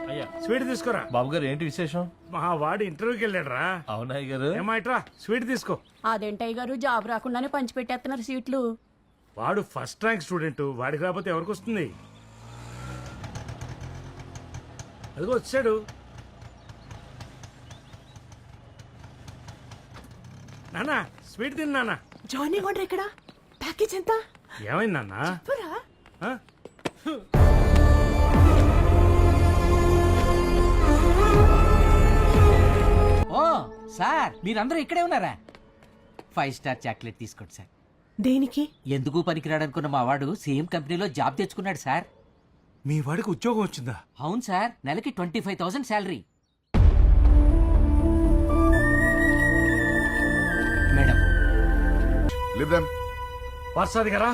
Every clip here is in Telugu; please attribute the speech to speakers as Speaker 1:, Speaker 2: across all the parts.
Speaker 1: అయ్యా
Speaker 2: స్వీట్ తీసుకురా.
Speaker 1: బాబు గారు ఏంటి విశేషం?
Speaker 2: మా వాడు ఇంటర్వ్యూకి వెళ్ళాడు రా.
Speaker 1: అవునా గారు?
Speaker 2: ఏమాయిట్రా స్వీట్ తీసుకో.
Speaker 3: అదేంటయ్య గారు జాబ్ రాకుండానే పంచి పెట్టేస్తున్నారు సీట్లు.
Speaker 2: వాడు ఫస్ట్ ర్యాంక్ స్టూడెంట్, వాడికి రాకపోతే ఎవరికి వస్తుంది? అదిగో వచ్చాడు. నానా స్వీట్ తిన్నానా?
Speaker 4: జాయినింగ్ ఆర్డర్ ఎక్కడ? ప్యాకేజ్ ఎంత?
Speaker 2: ఏమైంది నాన్నా?
Speaker 4: చెప్పరా?
Speaker 2: ఆ?
Speaker 5: ఓ సార్ మీరందరూ ఇక్కడే ఉన్నారా? 5 స్టార్ చాక్లెట్ తీసుకోండి సార్.
Speaker 4: దేనికి?
Speaker 5: ఎందుకు పనికిరాడనుకున్న మా వాడు సేమ్ కంపెనీలో జాబ్ తెచ్చుకున్నాడు సార్.
Speaker 2: మీ వాడికి ఉద్యోగం వచ్చిందా?
Speaker 5: అవును సార్, నెలకి 25,000 శాలరీ. Madam
Speaker 6: Leave them.
Speaker 2: పార్సాది గారా?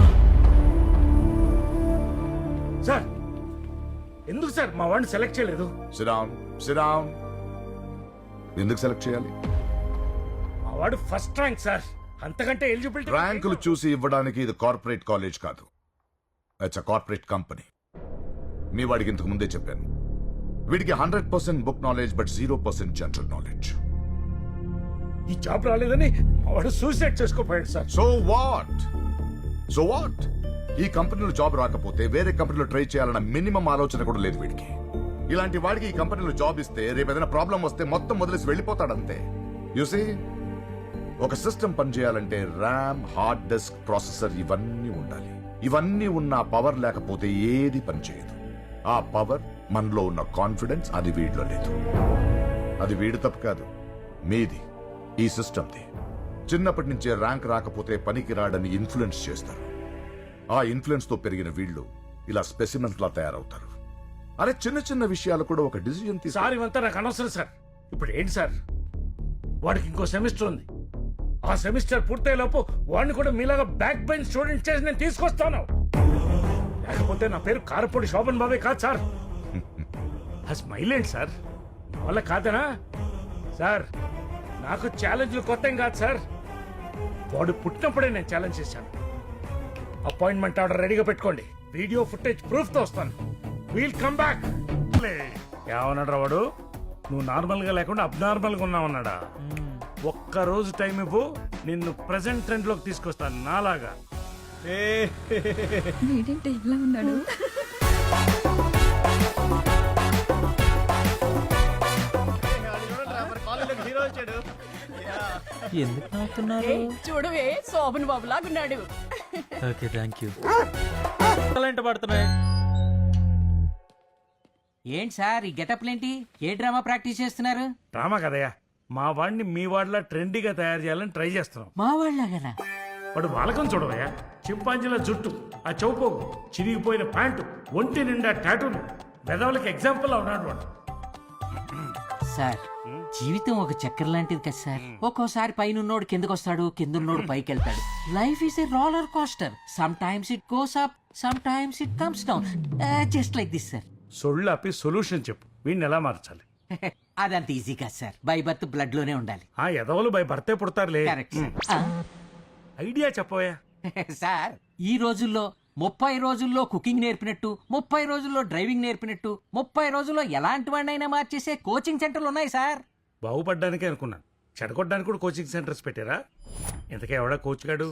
Speaker 2: సార్ ఎందుకు సార్ మా వాడిని సెలెక్ట్ చేయలేదు?
Speaker 6: Sit down. Sit down. ఎందుకు సెలెక్ట్ చేయాలి?
Speaker 2: మా వాడు ఫస్ట్ ర్యాంక్ సార్, అంతకంటే ఎలిజిబిలిటీ.
Speaker 6: ర్యాంకులు చూసి ఇవ్వడానికి ఇది కార్పొరేట్ కాలేజ్ కాదు. It's a corporate company. మీ వాడికి ఇంతకు ముందే చెప్పాను, వీడికి 100% book knowledge but 0% general knowledge.
Speaker 2: ఈ జాబ్ రాలేదని మా వాడు సూసైడ్ చేసుకోపోయాడు సార్.
Speaker 6: So what? So what? ఈ కంపెనీలో జాబ్ రాకపోతే వేరే కంపెనీలో ట్రై చేయాలన్న మినిమం ఆలోచన కూడా లేదు వీడికి. ఇలాంటి వాడికి ఈ కంపెనీలో జాబ్ ఇస్తే రేపు ఏదైనా ప్రాబ్లం వస్తే మొత్తం వదిలేసి వెళ్ళిపోతాడంతే. యూసీ, ఒక సిస్టమ్ పనిచేయాలంటే ర్యామ్, హార్డ్ డిస్క్, ప్రాసెసర్ ఇవన్నీ ఉండాలి. ఇవన్నీ ఉన్న పవర్ లేకపోతే ఏది పనిచేయదు. ఆ పవర్ మనలో ఉన్న కాన్ఫిడెన్స్ అది వీడిలో లేదు. అది వీడి తప్పు కాదు, మీది, ఈ సిస్టమ్ది. చిన్నప్పటి నుంచే ర్యాంక్ రాకపోతే పనికి రాడని ఇన్ఫ్లుయెన్స్ చేస్తారు. ఆ ఇన్ఫ్లుయెన్స్ తో పెరిగిన వీళ్ళు ఇలా స్పెసిమెన్స్ లా తయారవుతారు. అరే చిన్న చిన్న విషయాలు కూడా ఒక డిసిజన్
Speaker 2: సార్ ఇవంతా నాకు అనవసరం సార్. ఇప్పుడు ఏంటి సార్, వాడికి ఇంకో సెమిస్టర్ ఉంది. ఆ సెమిస్టర్ పూర్తయ్యే లోపు వాడిని కూడా మీలాగా బ్యాక్ బెంచ్ స్టూడెంట్ చేసి నేను తీసుకొస్తాను. లేకపోతే నా పేరు కారపొడి శోభన్ బాబే కాదు సార్. ఆ స్మైల్ ఏంటి సార్, నా వల్ల కాదనా సార్? నాకు ఛాలెంజ్లు కొత్త ఏం కాదు సార్. వాడు పుట్టినప్పుడే నేను ఛాలెంజ్ చేశాను. అపాయింట్మెంట్ ఆర్డర్ రెడీగా పెట్టుకోండి. వీడియో ఫుటేజ్ ప్రూఫ్ తో వస్తాను. We'll come back. ఏమన్నాడు వాడు? నువ్వు నార్మల్ గా లేకుండా అబ్నార్మల్ గా ఉన్నావన్నాడా? ఒక్క రోజు టైం ఇవ్వు, నిన్ను ప్రెసెంట్ ట్రెండ్ లోకి తీసుకొస్తాను నాలాగా.
Speaker 3: ఏంటంటే ఇలా ఉన్నాడు?
Speaker 5: ఎందుకు నవ్వుతున్నారు?
Speaker 3: చూడవే శోభన్ బాబు లాగున్నాడు.
Speaker 5: Okay thank you.
Speaker 1: పడుతున్నాయి.
Speaker 5: ఏంటి సార్ ఈ గెటప్లేంటి? ఏ డ్రామా ప్రాక్టీస్ చేస్తున్నారు?
Speaker 2: డ్రామా కదయ్యా, మా వాడిని మీ వాడిలా ట్రెండీగా తయారు చేయాలని ట్రై చేస్తున్నాం.
Speaker 5: మా వాళ్ళగానా?
Speaker 2: వాడు వాలకం చూడవయ్యా, చింపాంజీల జుట్టు, ఆ చౌపోగు, చిరిగిపోయిన ప్యాంటు, ఒంటి నిండా టాటూలు, పెదవులకి ఎగ్జాంపుల్ ఉన్నాడు వాడు.
Speaker 5: సార్ జీవితం ఒక చక్కెర లాంటిది కదా సార్. ఒక్కోసారి పైనున్నోడు కిందకు వస్తాడు, కిందున్నోడు పైకి వెళ్తాడు. Life is a roller coaster. Sometimes it goes up, sometimes it comes down, just like this sir.
Speaker 2: సొళ్ళు ఆపి సొల్యూషన్ చెప్పు, వీడిని ఎలా మార్చాలి?
Speaker 5: అదంత ఈజీ కాదు సార్. బై బర్త్ బ్లడ్ లోనే ఉండాలి.
Speaker 2: ఆ ఎదవలు బై భర్తే పుడతారులే.
Speaker 5: కరెక్ట్
Speaker 2: ఐడియా చెప్పవయ్యా.
Speaker 5: సార్ ఈ రోజుల్లో 30 రోజుల్లో కుకింగ్ నేర్పినట్టు, 30 రోజుల్లో డ్రైవింగ్ నేర్పినట్టు, 30 రోజుల్లో ఎలాంటి వాడినైనా మార్చేసే కోచింగ్ సెంటర్లు ఉన్నాయి సార్.
Speaker 2: బాగుపడ్డానికే అనుకున్నాను, చెడగొట్టడానికి కూడా కోచింగ్ సెంటర్స్ పెట్టారా? ఇంతకే ఎవడా కోచ్ గాడు?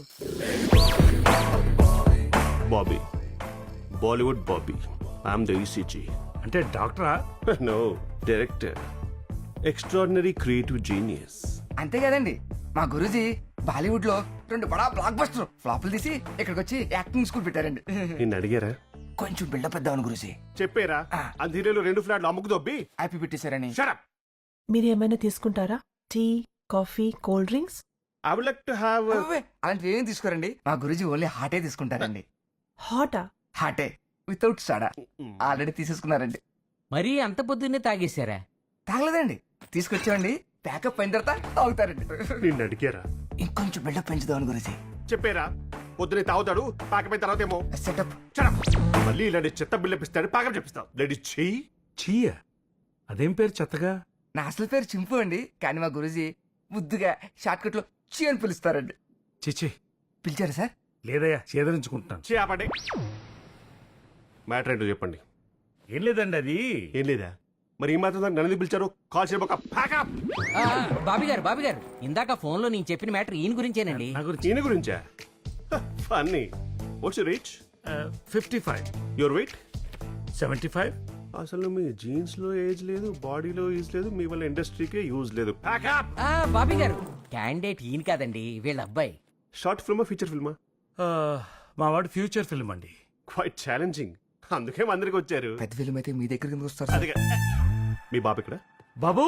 Speaker 7: Bobby. Bollywood Bobby. I'm the ECG.
Speaker 2: అంటే డాక్టరా?
Speaker 7: No, director. Extraordinary creative genius.
Speaker 8: అంతే కదండి, మా గురూజీ బాలీవుడ్ లో 2 బడా బ్లాక్ బస్టర్ ఫ్లాపులు తీసి ఇక్కడికి వచ్చి యాక్టింగ్ స్కూల్ పెట్టారండి.
Speaker 7: నిన్ను అడిగారా?
Speaker 8: కొంచెం బిల్డప్ ఇద్దామని గురూజీ
Speaker 7: చెప్పారా? అంధీరేలో 2 ఫ్లాట్లు అమ్ముకు దొబ్బి
Speaker 8: హ్యాపీ పెట్టేశారని.
Speaker 2: Shut up.
Speaker 4: మీరు ఏమైనా తీసుకుంటారా? Tea, coffee, cool drinks?
Speaker 7: I would like to have
Speaker 8: అలాంటివి ఏం తీసుకోరండి, మా గురూజీ ఓన్లీ హాటే తీసుకుంటారండి.
Speaker 4: హాటా?
Speaker 8: హాటే వితౌట్ సడా ఆల్రెడీ తీసేసుకున్నారండి.
Speaker 5: మరీ అంత పొద్దున్నే తాగేశారా?
Speaker 8: తాగలేదండి, తీసుకొచ్చామండి. ప్యాకప్ అయిన తర్వాత తాగుతారండి.
Speaker 7: నిన్ను అడిగారా?
Speaker 8: ఇంకొంచెం బిల్డప్ పెంచుదామని గురూజీ.
Speaker 7: చెప్పారా? పొద్దునే తాగుతాడు, పాకపోయిన తర్వాత ఏమో
Speaker 8: సెటప్.
Speaker 7: మళ్ళీ ఇలాంటి చెత్త బిల్లు పాకం చెప్పిస్తావు. లేడీ చెయ్యి
Speaker 2: చీయా? అదేం పేరు చెత్తగా?
Speaker 8: నా అసలు పేరు చింపు అండి, కానీ మా గురూజీ ముద్దుగా షార్ట్ కట్ లో చీ అని పిలుస్తారండి.
Speaker 2: చిచి,
Speaker 8: పిలిచారా సార్?
Speaker 2: లేదయ్యా, చేదరించుకుంటున్నాను.
Speaker 7: చేపండి. మ్యాటర్ ఏంటో చెప్పండి.
Speaker 2: ఏం లేదండి అది
Speaker 7: ఏం లేదా మరి ఈ మాత్రం దానికి నన్ను పిలిచారు కాల్ చేయబోక ప్యాకప్
Speaker 5: బాబీ గారు ఇందాక ఫోన్ లో నేను చెప్పిన మ్యాటర్ ఈయన గురించేనండి.
Speaker 2: నా గురించి
Speaker 7: ఈయన గురించా funny what's your reach
Speaker 2: 55
Speaker 7: your weight
Speaker 2: 75.
Speaker 7: అసలు మీ జీన్స్ లో ఏజ్ లేదు బాడీలో యూజ్ లేదు మీ వల్ల ఇండస్ట్రీకే యూజ్ లేదు ప్యాకప్
Speaker 5: బాబీ గారు క్యాండిడేట్ ఈయన కాదండి వీళ్ళ అబ్బాయి.
Speaker 7: షార్ట్ ఫిల్మా ఫీచర్ ఫిల్మా
Speaker 2: మా వాడు ఫ్యూచర్ ఫిల్మ్ అండి.
Speaker 7: క్వైట్ ఛాలెంజింగ్ అందుకే మందరికి వచ్చారు
Speaker 8: పెద్ద ఫిల్మ్ అయితే మీ దగ్గర కిందకు వస్తారు సార్.
Speaker 7: అదిగా మీ బాబు ఇక్కడ
Speaker 2: బాబు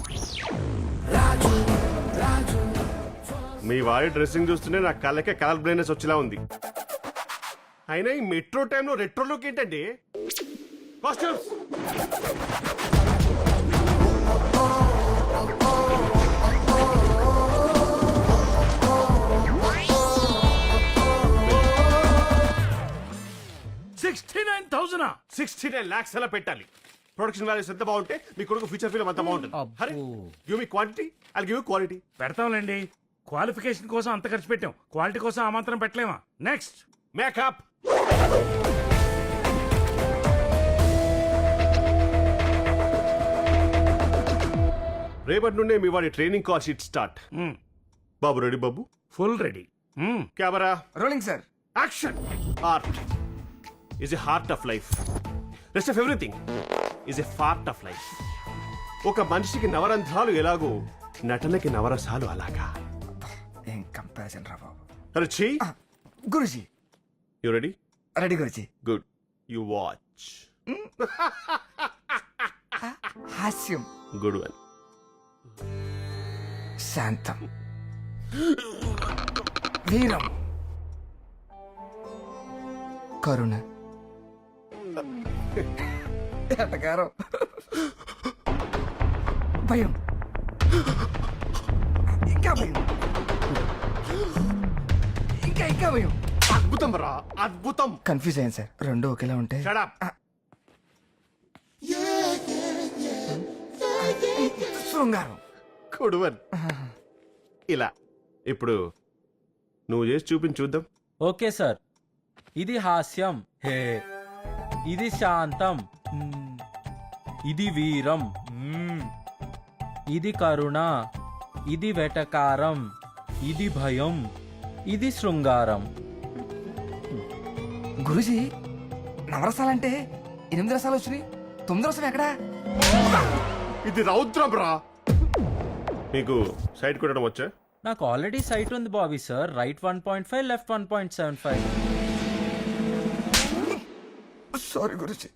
Speaker 7: మీ వారి డ్రెస్సింగ్ చూస్తుంటే నా కళ్ళకే కలర్ బ్లైండ్నెస్ వచ్చేలా ఉంది. అయినా ఈ మెట్రో టైంలో రెట్రో లుక్ ఏంటండి కాస్ట్యూమ్స్
Speaker 2: $69,000.
Speaker 7: 69 lakhs అలా పెట్టాలి. ప్రొడక్షన్ వాల్యూస్ ఎంత బాగుంటే మీ కొడుకు ఫ్యూచర్ ఫిల్మ్ అంత బాగుంటుంది. Hari give me quantity I give you quality.
Speaker 2: పెడతాంలేండి. క్వాలిఫికేషన్ కోసం అంత ఖర్చు పెట్టాం, క్వాలిటీ కోసం ఆ మాత్రం పెట్టలేమా? నెక్స్ట్
Speaker 7: మేకప్ రేపటి నుండే మీ వాడి ట్రైనింగ్ కాల్ షీట్ స్టార్ట్. బాబు రెడీ బాబు?
Speaker 2: Full ready.
Speaker 7: Camera
Speaker 8: rolling sir.
Speaker 7: Action. Art is a heart of life. Rest of everything is a part of life. ఒక మనిషికి నవరంధ్రాలు ఎలాగో నటనకి నవరసాలు అలాగా.
Speaker 8: ఏం కంపారిజన్ రా బాబు.
Speaker 7: రుచి
Speaker 8: Guruji
Speaker 7: you ready?
Speaker 8: Ready Guruji.
Speaker 7: Good you watch.
Speaker 8: హాస్యం.
Speaker 7: Good one.
Speaker 8: శాంతం. వీరం. కరుణ. ఎటకారం. భయం. ఇంకా భయం. ఇంకా భయం.
Speaker 7: అద్భుతం రా అద్భుతం.
Speaker 8: కన్ఫ్యూజ్ అయ్యాను సార్, రెండు ఒకేలా ఉంటే.
Speaker 7: Shut up.
Speaker 8: శృంగారం.
Speaker 7: Good one. ఇలా ఇప్పుడు నువ్వు చేసి చూపించి చూద్దాం.
Speaker 1: Okay sir. ఇది హాస్యం. హే. ఇది శాంతం. ఇది వీరం. ఇది కరుణ. ఇది వెటకారం. ఇది భయం. ఇది శృంగారం.
Speaker 8: గురుజీ నవరసాలంటే 8 రసాలు వచ్చినాయి, 9 రసం ఎక్కడా?
Speaker 7: ఇది రౌద్రం రా. మీకు సైడ్ కొట్టడం వచ్చా?
Speaker 1: నాకు ఆల్రెడీ సైట్ ఉంది Bobby sir. Right 1.5 left 1.75.
Speaker 8: Sorry Guruji.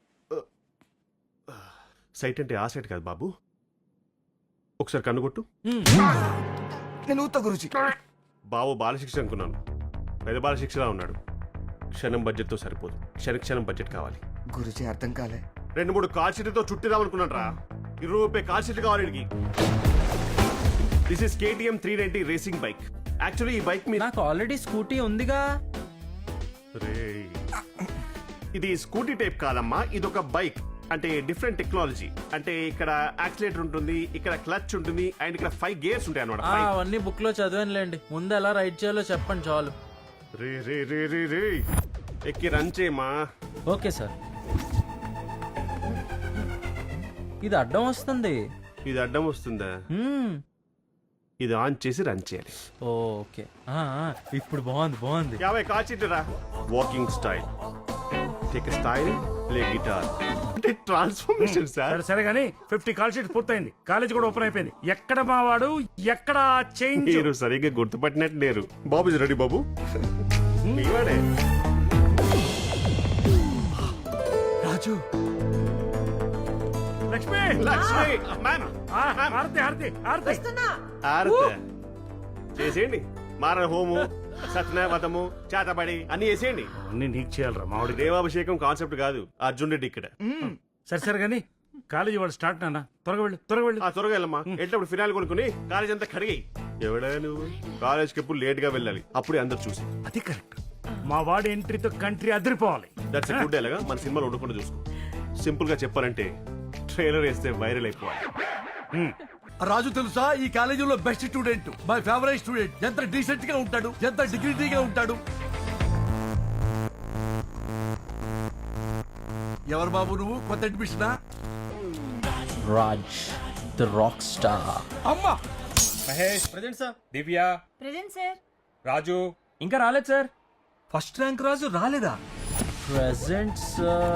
Speaker 7: Sight అంటే ఆ సైట్ కాదు బాబు. ఒకసారి కన్నుకొట్టు.
Speaker 8: నేను ఊత గురుజీ.
Speaker 7: బాబు బాలశిక్ష అనుకున్నాను, పెద్ద బాలశిక్షలా ఉన్నాడు. క్షణం బడ్జెట్తో సరిపోదు, క్షణం బడ్జెట్ కావాలి.
Speaker 8: గురుజీ అర్థం కాలే.
Speaker 7: 2-3 కాల్ షీట్లతో చుట్టిదాం అనుకున్నాను రా. 20 రూపాయ కాల్ షీట్లు కావాలి వీడికి. This is KTM 390 racing bike. Actually ఈ బైక్ మీద
Speaker 1: నాకు ఆల్రెడీ స్కూటీ ఉందిగా.
Speaker 7: రేయ్. ఇది స్కూటీ టైప్ కాదమ్మా, ఇది ఒక బైక్. అంటే డిఫరెంట్ టెక్నాలజీ. అంటే ఇక్కడ యాక్సిలేటర్ ఉంటుంది, ఇక్కడ క్లచ్ ఉంటుంది, అండ్ ఇక్కడ 5 గేర్స్ ఉంటాయి అన్నమాట.
Speaker 1: అవన్నీ బుక్ లో చదివానులేండి. ముందు ఎలా రైడ్ చేయాలో చెప్పండి చాలు.
Speaker 7: రే రే రే రే రే ఎక్కి రన్ చేయమా.
Speaker 1: Okay sir. ఇది అడ్డం వస్తుంది.
Speaker 7: ఇది అడ్డం వస్తుందా? ఇది ఆన్ చేసి రన్ చేయాలి.
Speaker 1: ఓకే. ఇప్పుడు బాగుంది.
Speaker 7: 50 కాల్ షీట్లు రా. Walking style, take style, play guitar. అంటే ట్రాన్స్ఫర్మేషన్ సార్.
Speaker 2: సరే సరే కానీ 50 కాల్ షీట్ పూర్తయింది. కాలేజ్ కూడా ఓపెన్ అయిపోయింది. ఎక్కడ మావాడు, ఎక్కడ చేంజ్?
Speaker 7: మీరు సరిగ్గా గుర్తుపట్టినట్టు లేరు. బాబు ఇస్ రెడీ బాబు. మీవాడే
Speaker 2: రాజు. లక్ష్మి.
Speaker 7: లక్ష్మి మ్యామ్.
Speaker 2: హారతి హారతి హారతి.
Speaker 7: ఆరత చేసేయండి. మారణ హోము, సత్యనావతము, చేతబడి అన్ని చేసేయండి.
Speaker 2: అన్ని నీకు చేయాలరా మామిడి.
Speaker 7: దేవాభిషేకం కాన్సెప్ట్ కాదు, అర్జున్ రెడ్డి ఇక్కడ.
Speaker 2: సరే సరే కానీ కాలేజీ వాడు స్టార్ట్ నాన్న. త్వరగా వెళ్ళు.
Speaker 7: ఆ త్వరగా వెళ్ళమ్మా. ఎట్లప్పుడు ఫినాయిల్ కొనుక్కుని కాలేజ్ అంతా కడిగి. ఎవడా నువ్వు? కాలేజ్కి ఎప్పుడు లేట్ గా వెళ్ళాలి, అప్పుడే అందరు చూసి.
Speaker 2: అది కరెక్ట్. మా వాడి ఎంట్రీతో కంట్రీ అదిరిపోవాలి.
Speaker 7: దట్స్ గుడ్ డైలాగా. మన సినిమాలో ఉండకుండా చూసుకో. సింపుల్ గా చెప్పాలంటే ట్రైలర్ వేస్తే వైరల్ అయిపోవాలి.
Speaker 9: రాజు తెలుసా, ఈ కాలేజీలో best student, my favourite student. ఎంత డీసెంట్ గా ఉంటాడు, ఎంత డిగ్నిటీగా ఉంటాడు. ఎవరు బాబు నువ్వు కొత్త అడ్మిషనా?
Speaker 1: Raj the rock star.
Speaker 9: అమ్మా
Speaker 10: Mahesh
Speaker 1: present sir.
Speaker 10: Divya
Speaker 3: present sir.
Speaker 10: Raju
Speaker 1: ఇంకా రాలేదు సార్.
Speaker 10: ఫస్ట్ ర్యాంక్ రాజు రాలేదా?
Speaker 1: Present sir.